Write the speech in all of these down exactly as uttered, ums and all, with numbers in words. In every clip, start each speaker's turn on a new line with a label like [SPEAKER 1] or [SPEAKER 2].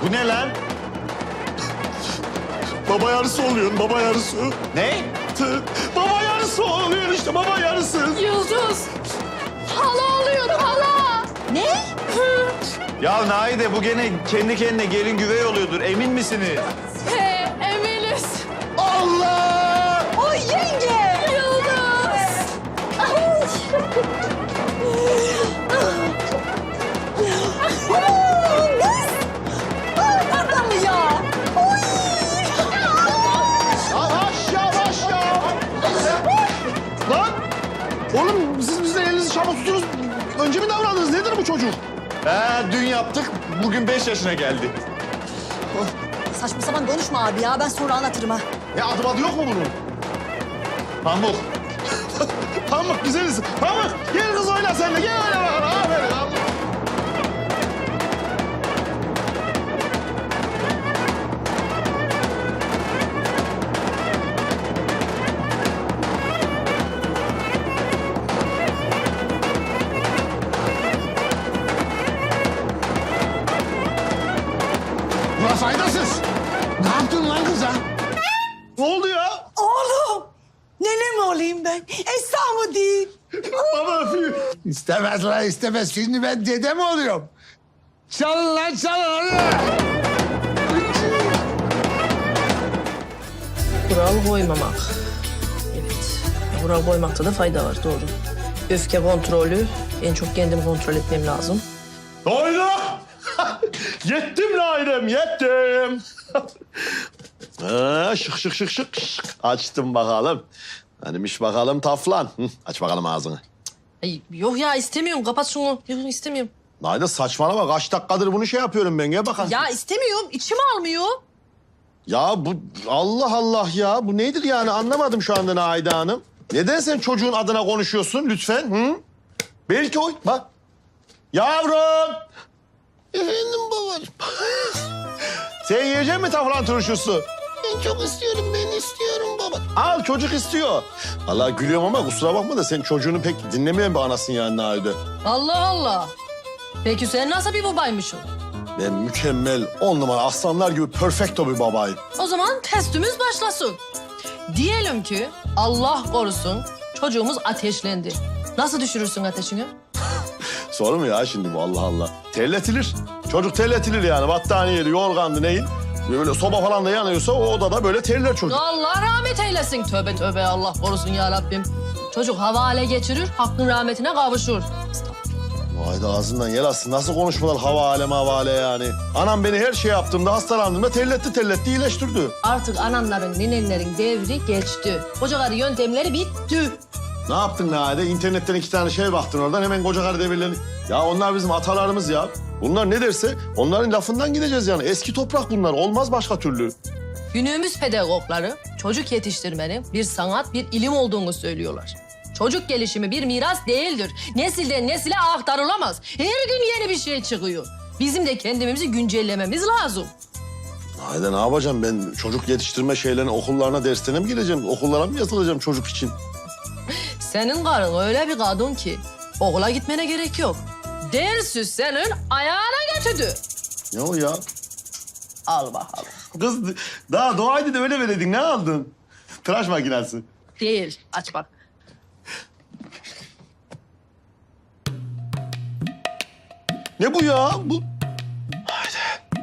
[SPEAKER 1] Bu ne lan?
[SPEAKER 2] Baba yarısı oluyorsun, baba yarısı.
[SPEAKER 1] Ne?
[SPEAKER 2] Tı- Baba yarısı oluyor işte, baba yarısı.
[SPEAKER 3] Yıldız. Hala oluyor hala.
[SPEAKER 4] Ne?
[SPEAKER 1] Ya Naide bu gene kendi kendine gelin güvey oluyordur. Emin misiniz?
[SPEAKER 3] He, eminiz.
[SPEAKER 2] Allah!
[SPEAKER 4] Oy yenge!
[SPEAKER 3] Yıldız.
[SPEAKER 4] Adam mı ya? Oy!
[SPEAKER 2] Yavaş yavaş ya! Lan! Oğlum siz bizden elinizi çabuk tutunuz. Önce mi davrandınız? Nedir bu çocuk?
[SPEAKER 1] He, dün yaptık. Bugün beş yaşına geldi.
[SPEAKER 4] Saçma sapan konuşma abi ya. Ben sonra anlatırım ha.
[SPEAKER 2] Ya adı adı yok mu bunun?
[SPEAKER 1] Pamuk.
[SPEAKER 2] Pamuk güzeliz. Pamuk gel kız oyna sen de. Gel oyna bakalım. Aferin. Pamuk. Ulan faydasız. Ne yaptın lan kıza? Ne oldu ya?
[SPEAKER 4] Oğlum! Nene mi olayım ben? Esra mı değil?
[SPEAKER 2] Baba öpüyor.
[SPEAKER 5] İstemez lan istemez. Şimdi ben dede mi oluyorum? Çalın lan çalın hadi.
[SPEAKER 6] Kural koymamak. Evet. Kural koymakta da fayda var, doğru. Öfke kontrolü. En çok kendim kontrol etmem lazım.
[SPEAKER 2] Doyduk. Yettim Nailem, yettim. ha, şık şık şık şık şık. Açtım bakalım. Hanimiş bakalım taflan. Hı, aç bakalım ağzını.
[SPEAKER 6] Ay, yok ya istemiyorum. Kapat şunu. Yok istemiyorum.
[SPEAKER 2] Naide saçmalama. Kaç dakikadır bunu şey yapıyorum ben. Gel bakalım.
[SPEAKER 6] Ya istemiyorum. İçim almıyor.
[SPEAKER 2] Ya bu Allah Allah ya. Bu nedir yani anlamadım şu anda Naide Hanım. Neden sen çocuğun adına konuşuyorsun lütfen? Hı? Belki o. Bak. Yavrum. Efendim babacığım. Sen yiyecek misin taflan turşusu? Ben çok istiyorum, ben istiyorum baba. Al çocuk istiyor. Allah gülüyorum ama kusura bakma da sen çocuğunu pek dinlemeyen bir anasın yani Naide.
[SPEAKER 6] Allah Allah. Peki sen nasıl bir babaymışsın?
[SPEAKER 2] Ben mükemmel, on numara aslanlar gibi perfecto bir babayım.
[SPEAKER 6] O zaman testimiz başlasın. Diyelim ki Allah korusun çocuğumuz ateşlendi. Nasıl düşürürsün ateşini?
[SPEAKER 2] Soru mu ya şimdi bu Allah Allah? Terletilir. Çocuk terletilir yani battaniyeli, yorgandı neyin? Böyle soba falan da yanıyorsa o odada böyle terler çocuk.
[SPEAKER 6] Allah rahmet eylesin. Tövbe tövbe Allah korusun ya Rabbim. Çocuk havale geçirir, hakkın rahmetine kavuşur.
[SPEAKER 2] Vay da ağzından yel alsın. Nasıl konuşmalar hava aleme havale yani. Anam beni her şey yaptığımda hastalandığımda terletti terletti iyileştirdi.
[SPEAKER 6] Artık ananların, nenenlerin devri geçti. Koca karı yöntemleri bitti.
[SPEAKER 2] Ne yaptın Nade? İnternetten iki tane şey baktın oradan hemen koca karı devirlerini. Ya onlar bizim atalarımız ya. Bunlar ne derse onların lafından gideceğiz yani. Eski toprak bunlar. Olmaz başka türlü.
[SPEAKER 6] Günümüz pedagogları çocuk yetiştirmenin bir sanat, bir ilim olduğunu söylüyorlar. Çocuk gelişimi bir miras değildir. Nesilden nesile aktarılamaz. Her gün yeni bir şey çıkıyor. Bizim de kendimizi güncellememiz lazım.
[SPEAKER 2] Nade ne yapacağım ben? Çocuk yetiştirme şeylerine, okullarına, derslerine mi gireceğim? Okullara mı yazılacağım çocuk için?
[SPEAKER 6] Senin karın öyle bir kadın ki okula gitmene gerek yok. Dersi senin ayağına götürdü.
[SPEAKER 2] Ne o ya?
[SPEAKER 6] Al bakalım.
[SPEAKER 2] Kız daha doğaydı da öyle veredin. Ne aldın? Tıraş makinesi.
[SPEAKER 6] Değil. Aç bak.
[SPEAKER 2] Ne bu ya? Bu... Haydi.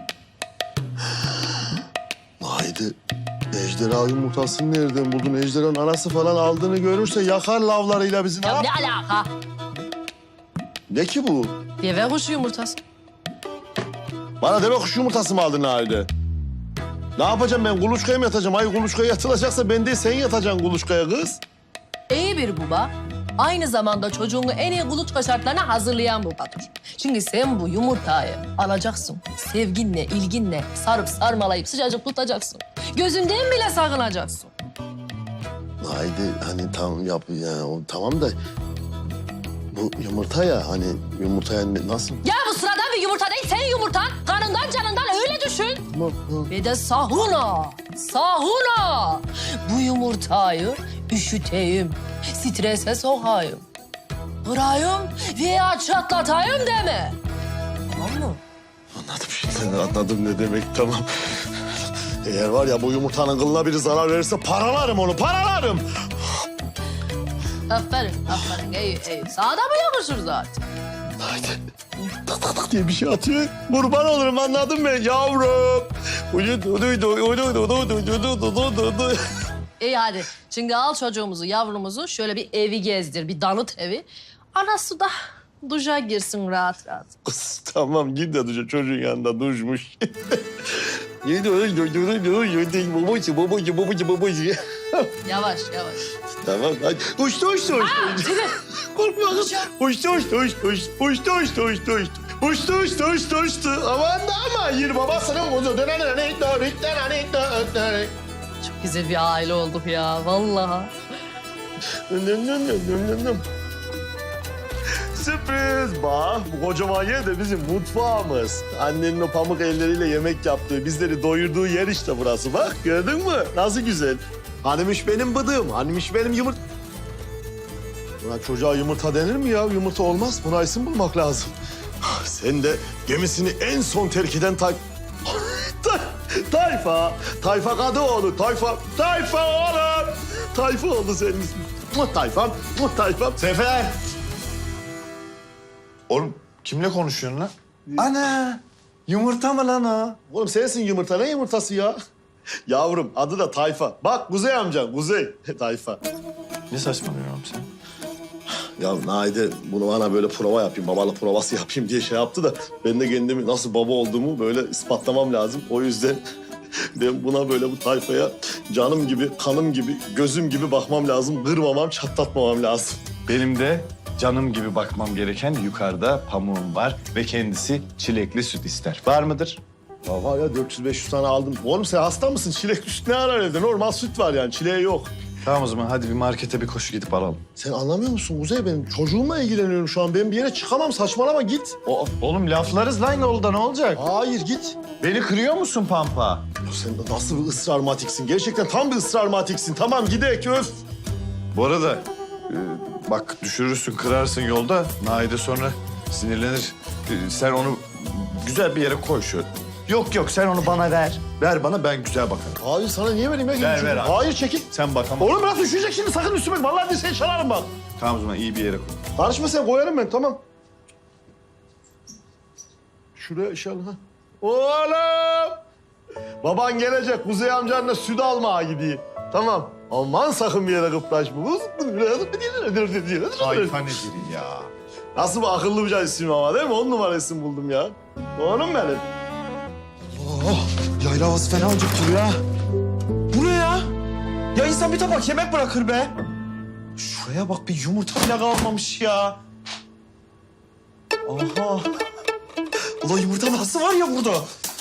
[SPEAKER 2] Haydi. Ejderha yumurtasını nereden buldun? Ejderhanın anası falan aldığını görürse yakar lavlarıyla bizi. Ne
[SPEAKER 6] Ya
[SPEAKER 2] yap?
[SPEAKER 6] ne alaka?
[SPEAKER 2] Ne ki bu?
[SPEAKER 6] Deve kuşu yumurtası.
[SPEAKER 2] Bana deve kuş yumurtası mı aldın Halide? Ne yapacağım ben? Kuluçkaya mı yatacağım? Ay kuluçkaya yatılacaksa ben değil sen yatacaksın kuluçkaya kız.
[SPEAKER 6] İyi bir baba. Aynı zamanda çocuğunu en iyi kuluçka şartlarına hazırlayan babadır. Çünkü sen bu yumurtayı alacaksın. Sevginle, ilginle sarıp sarmalayıp sıcacık tutacaksın. Gözünden bile sakınacaksın.
[SPEAKER 2] Haydi hani tamam yap yani o, tamam da bu yumurta ya hani yumurtaya ne- nasıl?
[SPEAKER 6] Ya bu sıradan bir yumurta değil, senin yumurtan. Kanından canından öyle düşün.
[SPEAKER 2] Tamam, tamam.
[SPEAKER 6] Ve de sahuna, sahuna. Bu yumurtayı üşüteyim, strese sokayım. Kırayım veya çatlatayım deme. Tamam mı?
[SPEAKER 2] Anladım şimdi. Anladım ne demek, tamam. Eğer var ya bu yumurtanın kılına biri zarar verirse paralarım onu, paralarım.
[SPEAKER 6] Aferin, aferin. İyi, iyi. Sana da mı yakışır zaten?
[SPEAKER 2] Haydi. Tak tak tak diye bir şey atıyor. Kurban olurum, anladın mı yavrum? Uyudu, uyudu, uyudu, uyudu, uyudu, uyudu.
[SPEAKER 6] İyi hadi. Şimdi al çocuğumuzu, yavrumuzu şöyle bir evi gezdir, bir danıt evi. Anası da duşa girsin rahat rahat.
[SPEAKER 2] Kız tamam git de duşa, çocuğun yanında duşmuş. Uyudu, uyudu, uyudu, uyudu, babacı, babacı, babacı, babacı.
[SPEAKER 6] Yavaş, yavaş.
[SPEAKER 2] Tamam hadi. Uçtu, uçtu, uçtu. Korkma kız. Uçtu, uçtu, uçtu, uçtu, uçtu, uçtu, uçtu, uçtu. Uçtu, uçtu, uçtu, uçtu. Aman da ama yir babasının kuzu.
[SPEAKER 6] Çok güzel bir aile olduk ya, vallahi.
[SPEAKER 2] Sürpriz bak, bu kocaman yer de bizim mutfağımız. Annenin o pamuk elleriyle yemek yaptığı, bizleri doyurduğu yer işte burası. Bak gördün mü? Nasıl güzel. Hanimiş benim bıdığım, hanimiş benim yumurt... Buna çocuğa yumurta denir mi ya? Yumurta olmaz. Buna isim bulmak lazım. Sen de gemisini en son terk eden tay... Ta- tayfa, Tayfa Kadıoğlu, Tayfa, Tayfa oğlum. Tayfa oldu senin ismin. Muh Tayfam, muh Tayfam.
[SPEAKER 1] Sefer! Oğlum kimle konuşuyorsun lan? Ana! Yumurta mı lan o?
[SPEAKER 2] Oğlum sensin yumurta. Ne yumurtası ya? Yavrum adı da Tayfa. Bak Kuzey amcan, Kuzey. Tayfa.
[SPEAKER 1] Ne saçmalıyorsun oğlum sen?
[SPEAKER 2] Ya Naide bunu bana böyle prova yapayım, babalık provası yapayım diye şey yaptı da... ...ben de kendimi nasıl baba olduğumu böyle ispatlamam lazım. O yüzden ben buna böyle bu tayfaya canım gibi, kanım gibi, gözüm gibi bakmam lazım. Kırmamam, çatlatmamam lazım.
[SPEAKER 1] Benim de canım gibi bakmam gereken yukarıda pamuğum var ve kendisi çilekli süt ister. Var mıdır?
[SPEAKER 2] Ya var ya dört yüz beş yüz tane aldım. Oğlum sen hasta mısın? Çilek süt ne arar evde? Normal süt var yani, çileği yok.
[SPEAKER 1] Tamam o zaman hadi bir markete bir koşu gidip alalım.
[SPEAKER 2] Sen anlamıyor musun Kuzey? Benim çocuğumla ilgileniyorum şu an. Ben bir yere çıkamam, saçmalama git.
[SPEAKER 1] O, oğlum laflarız lan yolda, ne olacak?
[SPEAKER 2] Hayır git.
[SPEAKER 1] Beni kırıyor musun Pampa?
[SPEAKER 2] Ya sen nasıl bir ısrar matiksin? Gerçekten tam bir ısrar matiksin. Tamam gidek öf.
[SPEAKER 1] Bu arada e, bak düşürürsün, kırarsın yolda. Naide sonra sinirlenir. E, sen onu güzel bir yere koy şöyle. Yok yok sen onu bana ver. Ver bana, ben güzel bakarım.
[SPEAKER 2] Hayır sana niye vereyim ya?
[SPEAKER 1] Ver, ver abi.
[SPEAKER 2] Hayır çekil.
[SPEAKER 1] Sen bakamam.
[SPEAKER 2] Oğlum bırak düşecek şimdi, sakın üstüme. Vallahi dirseği çalarım bak.
[SPEAKER 1] Tamam o zaman iyi bir yere koy.
[SPEAKER 2] Karışma sen, koyarım ben, tamam. Şuraya inşallah. Oğlum! Baban gelecek, Kuzey amcanla süt almaya gidiyor. Tamam. Aman sakın bir yere kıpraşma.
[SPEAKER 1] Tayfa nedir ya?
[SPEAKER 2] Nasıl bir akıllı bir isim ama değil mi? On numara isim buldum ya. Oğlum benim.
[SPEAKER 7] Yayla havası fena acıktırıyor ya. Bu ne ya? Ya insan bir tabak yemek bırakır be. Şuraya bak, bir yumurta bile kalmamış ya. Aha. Ulan yumurta nasıl var ya burada?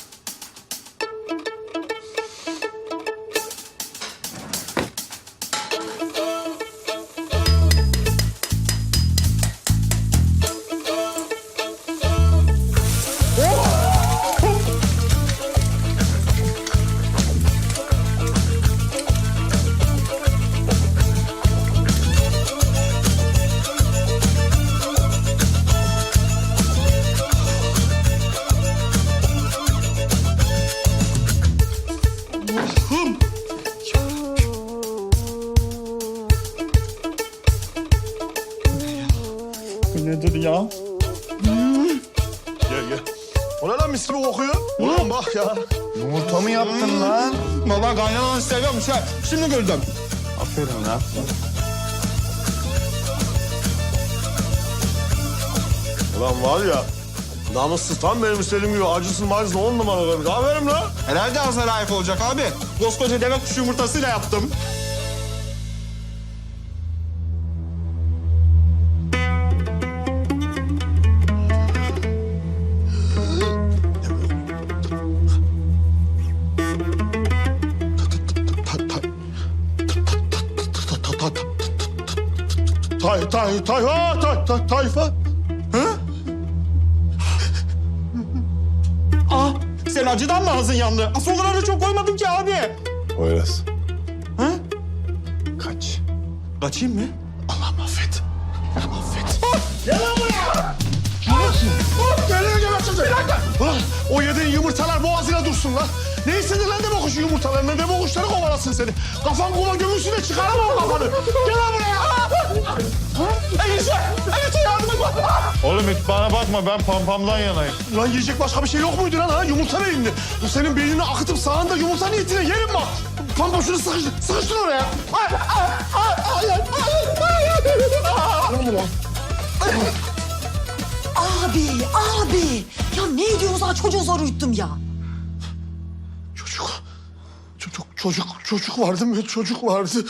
[SPEAKER 7] Bu nedir ya?
[SPEAKER 2] Gel gel. O ne lan, mis gibi kokuyor? Oğlum bak ya.
[SPEAKER 1] Yumurta mı yaptın lan?
[SPEAKER 7] Baba kaynananı seviyormuş ha. Şimdi gördüm.
[SPEAKER 1] Aferin lan.
[SPEAKER 2] Ulan var ya, namussuz tam benim istediğim gibi acısın macısın on numara koymuş. Aferin lan.
[SPEAKER 7] Herhalde ağzına layık olacak abi. Koskoca deve kuşu yumurtasıyla yaptım.
[SPEAKER 2] Tay, tay, tayfa, tay, tay, tayfa.
[SPEAKER 7] Ah, sen acıdan mı ağzın yandı? Asıl o kadar da çok koymadım ki abi.
[SPEAKER 2] Poyraz.
[SPEAKER 7] Ha?
[SPEAKER 1] Kaç.
[SPEAKER 7] Kaçayım mı?
[SPEAKER 2] Allah'ım affet. Affet.
[SPEAKER 7] Gel lan buraya! Geliyor geberteceğim. Bir dakika.
[SPEAKER 2] O yediğin yumurta yumurtalar boğazına dursun lan. Ne istedin lan deve kuşu yumurtalarını? Deve kuşları kovalasın seni. Kafan kuma gömülsün de çıkaramam kafanı. Gel lan buraya. Enişte, enişte yardım et bana.
[SPEAKER 1] Oğlum hiç bana bakma ben pampamdan yanayım.
[SPEAKER 2] Lan yiyecek başka bir şey yok muydu lan ha? Yumurta beyinli. Bu senin beynini akıtıp sağında yumurta niyetine yerim bak. Pampa şunu sıkıştır, sıkıştır oraya. Ay, ay, ay, ay, ay, ay, ay, ay.
[SPEAKER 4] Abi, abi. Ya ne ediyorsunuz ha? Çocuğu zor uyuttum ya.
[SPEAKER 2] Çocuk, çocuk, çocuk, çocuk vardı mı? Çocuk vardı.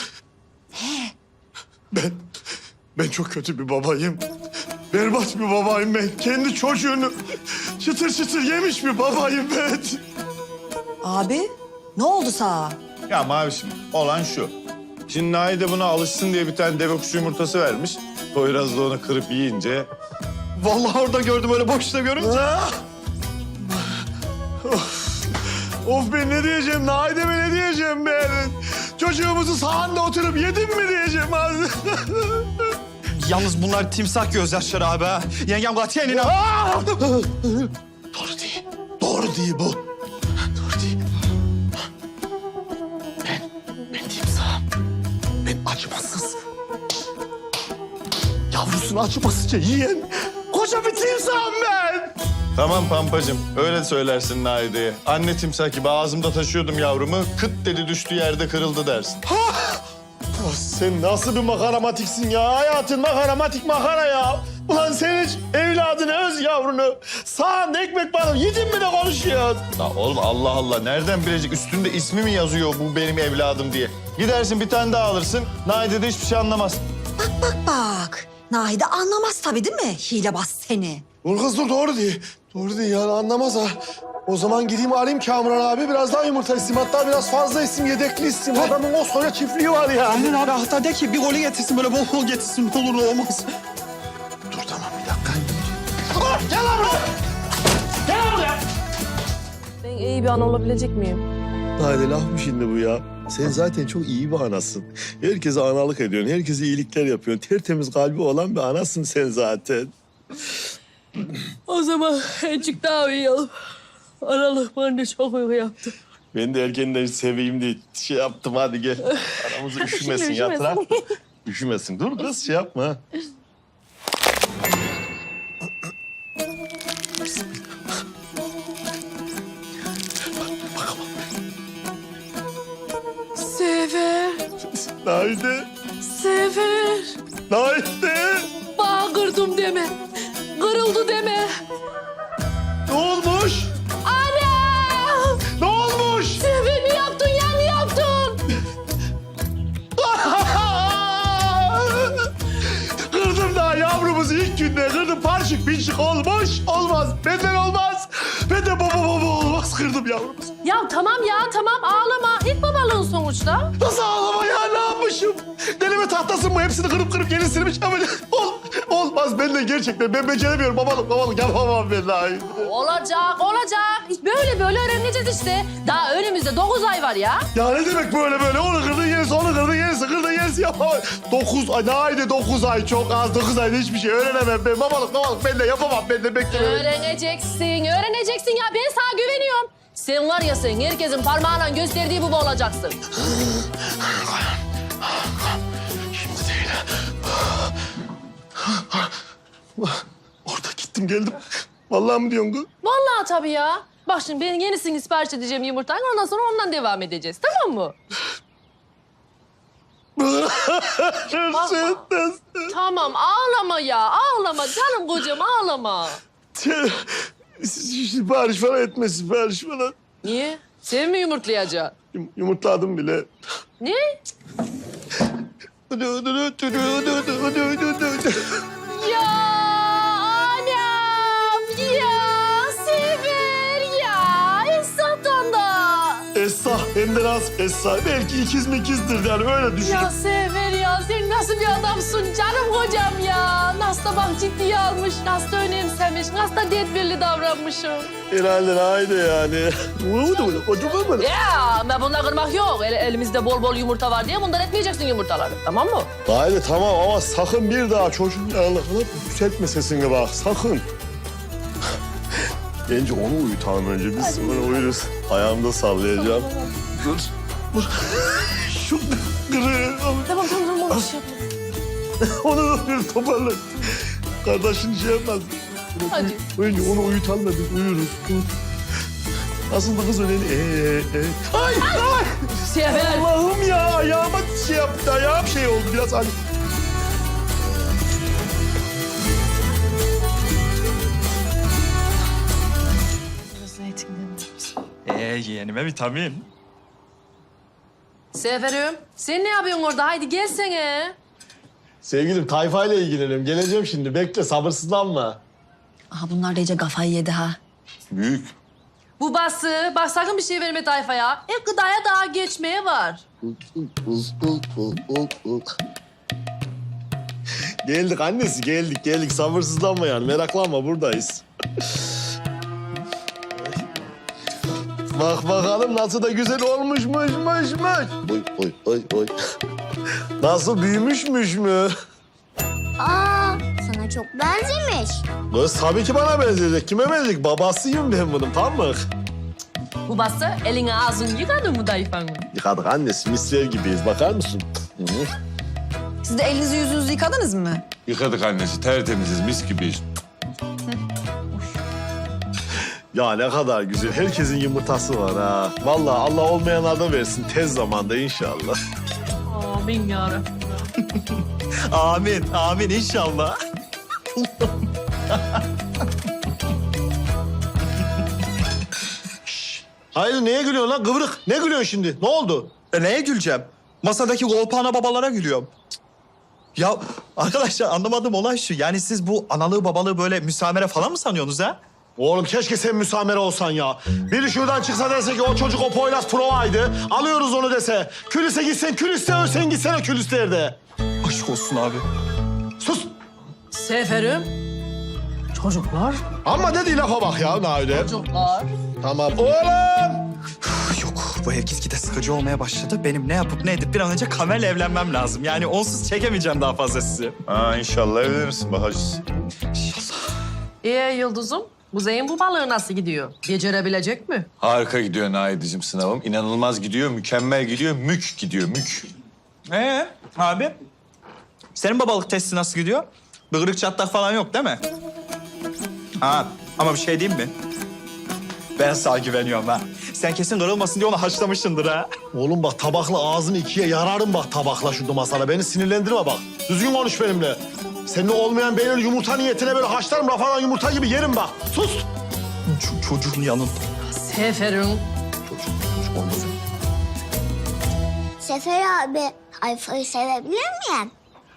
[SPEAKER 2] Ben, ben çok kötü bir babayım. Berbat bir babayım ben. Kendi çocuğunu çıtır çıtır yemiş bir babayım ben.
[SPEAKER 4] Abi, ne oldu sana?
[SPEAKER 1] Ya Mavişim olan şu. Şimdi Naide buna alışsın diye bir tane deve kuşu yumurtası vermiş. Poyraz da onu kırıp yiyince...
[SPEAKER 2] Vallahi orada gördüm öyle boşta görünce. of. of ben ne diyeceğim? Naide'me ne diyeceğim ben? Çocuğumuzu sahanda oturup yedim mi diyeceğim abi?
[SPEAKER 7] Yalnız bunlar timsah gözyaşları abi ha. Yengem katiyen inan.
[SPEAKER 2] Aa! Doğru değil. Doğru değil bu. Doğru değil. Ben, ben timsahım. Ben acımasız. Yavrusunu acımasızca yiyen koca bir timsahım ben.
[SPEAKER 1] Tamam Pampacığım öyle söylersin Naide'ye. Anne timsah gibi ağzımda taşıyordum yavrumu. Kıt dedi düştü yerde kırıldı dersin.
[SPEAKER 2] Ha! Ah, sen nasıl bir makaramatiksin ya? Hayatın makaramatik makara ya. Ulan sen hiç evladını, öz yavrunu sağında ekmek banıp yedin mi de konuşuyorsun?
[SPEAKER 1] Ya oğlum Allah Allah nereden bilecek üstünde ismi mi yazıyor bu benim evladım diye. Gidersin bir tane daha alırsın. Naide de hiçbir şey anlamaz.
[SPEAKER 4] Bak bak bak. Nahide anlamaz tabii değil mi? Hilebaz seni.
[SPEAKER 2] Dur kız dur doğru değil. Doğru değil yani anlamaz ha. O zaman gideyim arayayım Kamuran abi. Biraz daha yumurta isteyeyim. Hatta biraz fazla isteyeyim, yedekli isteyeyim. Adamın koskoca çiftliği var ya.
[SPEAKER 7] Aynen abi hatta de ki bir golü getirsin böyle bol bol getirsin ne olur ne olmaz.
[SPEAKER 2] Dur tamam bir dakika. Dur gel lan buraya. Gel lan buraya.
[SPEAKER 6] Ben iyi bir ana olabilecek miyim?
[SPEAKER 2] Hadi laf mı şimdi bu ya? Sen zaten çok iyi bir anasın. Herkese analık ediyorsun. Herkese iyilikler yapıyorsun. Tertemiz kalbi olan bir anasın sen zaten.
[SPEAKER 6] O zaman azıcık daha uyuyalım. Aralık bana çok uyku yaptı.
[SPEAKER 2] Ben de erkenden seveyim diye şey yaptım. Hadi gel. Aramızı üşümesin
[SPEAKER 6] Şimdi
[SPEAKER 2] yatırak. Üşümesin. Dur kız şey yapma. ha.
[SPEAKER 6] Sefer,
[SPEAKER 2] Naide.
[SPEAKER 6] Sefer.
[SPEAKER 2] Naide.
[SPEAKER 6] Bağ kırdım deme. Kırıldı deme.
[SPEAKER 2] Ne olmuş?
[SPEAKER 6] Anam!
[SPEAKER 2] Ne olmuş?
[SPEAKER 6] Sefer mi yaptın ya? Ne yaptın?
[SPEAKER 2] Kırdım daha yavrumuzu ilk günde kırdım. Parçık pinçik olmuş. Olmaz. Benden olmaz. Benden baba baba olmaz. Kırdım yavrumuzu.
[SPEAKER 6] Ya tamam ya tamam ağlama. İlk babalığın sonuçta.
[SPEAKER 2] Nasıl ağlama ya? Ne yapmışım? Delime tahtasın mı? Hepsini kırıp kırıp yenisini mi çabuk? Ol, olmaz. Ben de gerçekten. Ben beceremiyorum. Babalık babalık yapamam ben daha.
[SPEAKER 6] Olacak olacak. Böyle böyle öğreneceğiz işte. Daha önümüzde dokuz ay var ya.
[SPEAKER 2] Ya ne demek böyle böyle? Onu kırdın yenisi, onu kırdın yenisi, kırdın yenisi yapamam. Dokuz ay, ne aydı dokuz ay? Çok az. Dokuz ayda hiçbir şey öğrenemem ben. Babalık babalık ben de yapamam. Ben de beklemem.
[SPEAKER 6] Öğreneceksin, öğreneceksin ya. Ben sana güveniyorum. Sen var ya sen herkesin parmağıyla gösterdiği baba olacaksın.
[SPEAKER 2] Şimdi değil. Orada gittim geldim. Vallahi mi diyorsun kız?
[SPEAKER 6] Vallahi tabii ya. Bak şimdi ben yenisini sipariş edeceğim yumurtayı. Ondan sonra ondan devam edeceğiz. Tamam mı?
[SPEAKER 2] Sen nasıl?
[SPEAKER 6] Tamam ağlama ya. Ağlama canım kocam ağlama.
[SPEAKER 2] Sipariş falan etme, sipariş falan.
[SPEAKER 6] Niye? Sen mi yumurtlayacaksın?
[SPEAKER 2] Yum- Yumurtladım bile.
[SPEAKER 6] Ne? Ya anam ya Sefer ya Esat'tan da.
[SPEAKER 2] Esra, hem de nasıl Esra? Belki ikiz mi ikizdir yani öyle düşün.
[SPEAKER 6] Ya Sefer ya sen nasıl bir adamsın canım kocam ya. Nasıl da bak ciddiye almış, nasıl da önemsemiş, nasıl da tedbirli davranmışım.
[SPEAKER 2] Herhalde haydi yani. Ne oldu böyle? Acaba mı?
[SPEAKER 6] Ya ben bunları kırmak yok. El- elimizde bol bol yumurta var diye bundan etmeyeceksin yumurtaları. Tamam mı?
[SPEAKER 2] Haydi tamam ama sakın bir daha çocuğun yanına falan yükseltme sesini bak sakın. Bence onu uyutalım önce. Biz sonra uyuruz. Ayağımda sallayacağım. Dur. Dur. Şu kırığı.
[SPEAKER 6] Tamam tamam tamam. Şey
[SPEAKER 2] Onu bir toparla. Kardeşin şey yapmaz.
[SPEAKER 6] Hadi.
[SPEAKER 2] Önce onu uyutalım da biz uyuruz. Nasıl da kız öyle? Ee, ee. Ay, ay!
[SPEAKER 6] Sefer.
[SPEAKER 2] Allah'ım ya, ayağıma şey yaptı, ayağım şey oldu biraz hani.
[SPEAKER 7] Ee yeğenime vitamin.
[SPEAKER 6] Seferim. Sen ne yapıyorsun orada? Haydi gelsene.
[SPEAKER 2] Sevgilim, tayfayla ilgileniyorum. Geleceğim şimdi, bekle, sabırsızlanma.
[SPEAKER 4] Aha bunlar da iyice kafayı yedi ha.
[SPEAKER 1] Büyük.
[SPEAKER 6] Bu bası. Bak sakın bir şey verme tayfaya. E gıdaya daha geçmeye var.
[SPEAKER 2] Geldik annesi, geldik, geldik. Sabırsızlanma yani, meraklanma, buradayız. Bak bakalım nasıl da güzel olmuşmuş, muş, muş. Oy, oy, oy, oy. Nasıl büyümüşmüş mü?
[SPEAKER 8] Aa, sana çok benzemiş.
[SPEAKER 2] Kız tabii ki bana benzeyecek. Kime benzeyecek? Babasıyım ben bunun, tamam mı?
[SPEAKER 6] Bu bası elini ağzını yıkadın mı dayfanın?
[SPEAKER 2] Yıkadık annesi, misler gibiyiz. Bakar mısın? Hı.
[SPEAKER 4] Siz de elinizi yüzünüzü yıkadınız mı?
[SPEAKER 1] Yıkadık annesi, tertemiziz, mis gibiyiz.
[SPEAKER 2] Ya ne kadar güzel. Herkesin yumurtası var ha. Vallahi Allah olmayanlardan versin tez zamanda inşallah.
[SPEAKER 6] Amin yarabbim.
[SPEAKER 7] Amin, amin inşallah.
[SPEAKER 2] Hayır neye gülüyorsun lan kıvrık? Ne gülüyorsun şimdi? Ne oldu?
[SPEAKER 7] E neye güleceğim? Masadaki golpana babalara gülüyorum. Ya arkadaşlar anlamadığım olay şu. Yani siz bu analığı babalığı böyle müsamere falan mı sanıyorsunuz ha?
[SPEAKER 2] Oğlum keşke sen müsamere olsan ya. Biri şuradan çıksa dese ki o çocuk o Poyraz provaydı. Alıyoruz onu dese. Külüse gitsen külüste ölsen gitsene külüslerde.
[SPEAKER 7] Aşk olsun abi.
[SPEAKER 2] Sus.
[SPEAKER 6] Seferim. Çocuklar.
[SPEAKER 2] Ama dediği lafa bak ya Naide.
[SPEAKER 6] Çocuklar.
[SPEAKER 2] Tamam. Oğlum.
[SPEAKER 7] Yok bu ev gitgide sıkıcı olmaya başladı. Benim ne yapıp ne edip bir an önce Kamer'le evlenmem lazım. Yani onsuz çekemeyeceğim daha fazla sizi.
[SPEAKER 1] Ha inşallah evlenirsin Bahacız.
[SPEAKER 6] Ee Yıldız'ım, Kuzey'in bu balığı nasıl gidiyor? Becerebilecek mi?
[SPEAKER 1] Harika gidiyor Naide'cim sınavım. İnanılmaz gidiyor, mükemmel gidiyor, mük gidiyor, mük.
[SPEAKER 7] Ee abi? Senin babalık testi nasıl gidiyor? Bıgırık çatlak falan yok değil mi? Ha ama bir şey diyeyim mi? Ben sana güveniyorum ha. Sen kesin kırılmasın diye onu haşlamışsındır ha.
[SPEAKER 2] Oğlum bak tabakla ağzını ikiye yararım bak tabakla şurada masada. Beni sinirlendirme bak. Düzgün konuş benimle. Senin olmayan beynini yumurta niyetine böyle haşlarım rafadan yumurta gibi yerim bak. Sus.
[SPEAKER 7] Ç- çocuğun yanında.
[SPEAKER 6] Seferim.
[SPEAKER 8] Sefer abi, Ayfa'yı sevebilir miyim?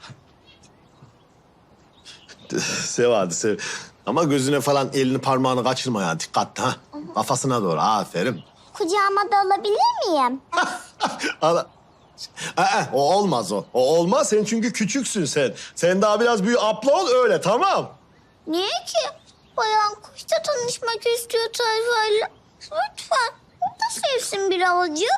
[SPEAKER 2] Sev hadi sev. Ama gözüne falan elini parmağını kaçırma ya. Dikkatli ha. Kafasına doğru. Aferin.
[SPEAKER 8] Kucağıma da alabilir miyim?
[SPEAKER 2] Ala. Aa, o olmaz o. O olmaz. Sen çünkü küçüksün sen. Sen daha biraz büyü abla ol öyle tamam.
[SPEAKER 8] Niye ki? Bayan kuş da tanışmak istiyor Tayfa'yla. Lütfen, o da sevsin birazcık.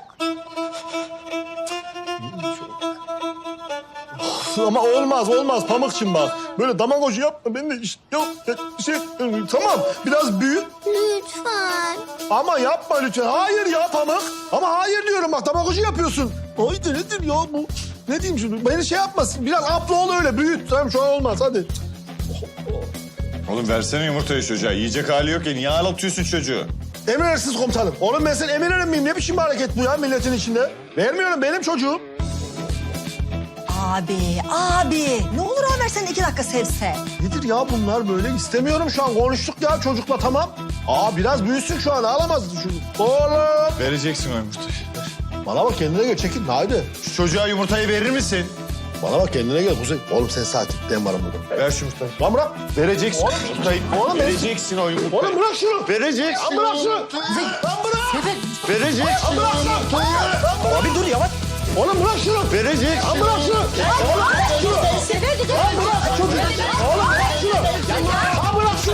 [SPEAKER 2] Ama olmaz olmaz Pamukçum bak. Böyle damagocu yapma. Ben de işte yok şey tamam biraz büyü.
[SPEAKER 8] Lütfen.
[SPEAKER 2] Ama yapma lütfen. Hayır ya Pamuk. Ama hayır diyorum bak damagocu yapıyorsun. Haydi nedir ya bu? Ne diyeyim şimdi? Beni şey yapmasın. Biraz abla ol öyle büyüt. Tamam şu an olmaz hadi.
[SPEAKER 1] Oğlum versene yumurtayı çocuğa. Yiyecek hali yok ya. Niye ağlatıyorsun çocuğu?
[SPEAKER 2] Emirersiz komutanım. Oğlum ben senin emir erim miyim? Ne biçim bir hareket bu ya milletin içinde? Vermiyorum benim çocuğum.
[SPEAKER 4] Abi, abi. Ne olur Ömer sen iki dakika sevse.
[SPEAKER 2] Nedir ya bunlar böyle? İstemiyorum şu an. Konuştuk ya çocukla tamam. Aa biraz büyüsün şu an. Ağlamaz şu. Oğlum.
[SPEAKER 1] Vereceksin o yumurtayı.
[SPEAKER 2] Bana bak kendine gel. Çekil. Haydi.
[SPEAKER 1] Şu çocuğa yumurtayı verir misin?
[SPEAKER 2] Bana bak kendine gel Kuzey. Oğlum sen sakin. Ben varım burada.
[SPEAKER 1] Ver şu yumurtayı.
[SPEAKER 2] Lan bırak.
[SPEAKER 1] Vereceksin
[SPEAKER 2] Oğlum,
[SPEAKER 1] yumurtayı.
[SPEAKER 2] oğlum,
[SPEAKER 1] Vereceksin o yumurtayı.
[SPEAKER 2] Oğlum bırak şunu.
[SPEAKER 1] Vereceksin.
[SPEAKER 2] Lan bırak şunu. Lan bırak.
[SPEAKER 6] Sefer.
[SPEAKER 1] Vereceksin.
[SPEAKER 2] Lan bırak şunu.
[SPEAKER 7] Abi dur yavaş.
[SPEAKER 2] Oğlum bırak şunu.
[SPEAKER 1] Vereceksin.
[SPEAKER 2] Lan bırak şunu. Oğlum bırak şunu. Lan bırak çocuğu. Oğlum bırak şunu. Lan bırak şunu.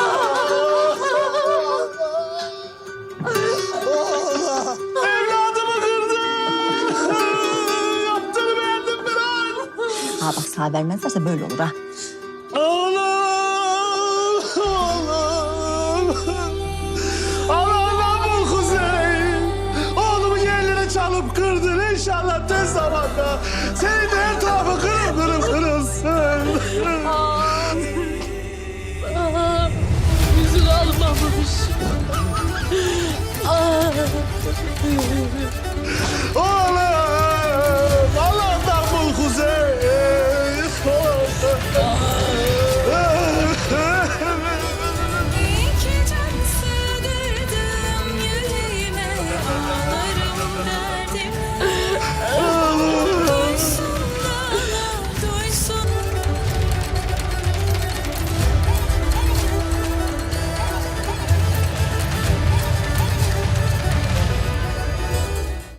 [SPEAKER 2] Evladımı
[SPEAKER 4] sevmezlerse böyle olur ha.